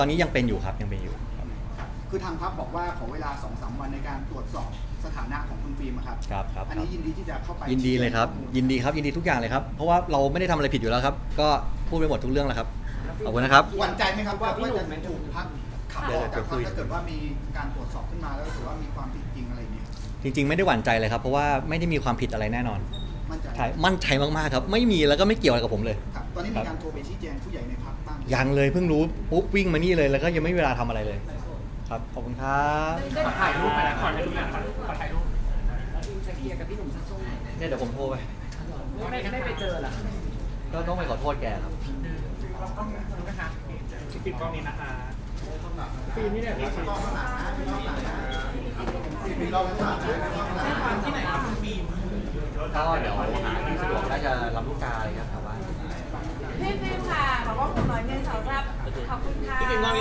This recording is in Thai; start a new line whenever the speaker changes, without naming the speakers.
ตอนนี้ยังเป็นอยู่ครับยังเป็นอยู่
คือทางพรรคบอกว่าขอเวลา 2-3 วันในการตรวจสอบสถานะของคุณฟิล์มครับ
ครับ
อันนี้ยินดีที่จะเข้าไป
ยินดีเลยครับยินดีครับยินดีทุกอย่างเลยครับเพราะว่าเราไม่ได้ทำอะไรผิดอยู่แล้วครับก็พูดไปหมดทุกเรื่องแล้วครับขอบคุณนะครับ
หวั่นใจไหมครับว่าจะถูกพรรคขับออกจากพรรคถ้าเกิดว่ามีการตรวจสอบขึ้นมาแล้วถือว่ามีความผิดจริงอะไรอย่างเงี้ย
จริงๆไม่ได้หวั่นใจเลยครับเพราะว่าไม่ได้มีความผิดอะไรแน่นอน
มั่นใจ
มั่นใจมากๆครับไม่มีแล้วก็ไม่เกี่ยวอะไรกับผมเลย
ครับตอนนี้มีการโทรไปชี้แจงผู้ใหญ่ในพรรคบ้าง
ยังเลยเพิ่งรู้ปุ๊บวิ่งมานี่เลยแล้วก็ยังไม่มีเวลาทำอะไรเลยครับขอบคุณครับ
ขอถ่ายรูปไปนะขอถ่ายรูปขอถ่ายรูปจะเคลียร์กับพี่หนุ่มสักช่วงไหน
เนี่ยเดี๋ยวผมโทรไป
ไม่ไปเจอเหรอ
ก็ต้องไปขอโทษแกครับ
ต้องนะคะปิดกล้องนี้นะคะปีนี้เนี่ย
ฟิล์มรอบหลังนะฟิล์มรอบหลังนะฟิล์มรอบหลังนะ
ที่ไหนครับฟิล์ม
ก็เดี๋ยวหาที่สะดวกน่าจะลำลูกกาอะไรครับแต่ว่า
พี่ฟิล์มค่ะขอบคุณหน่อย1 2 3ขอบคุณค่ะ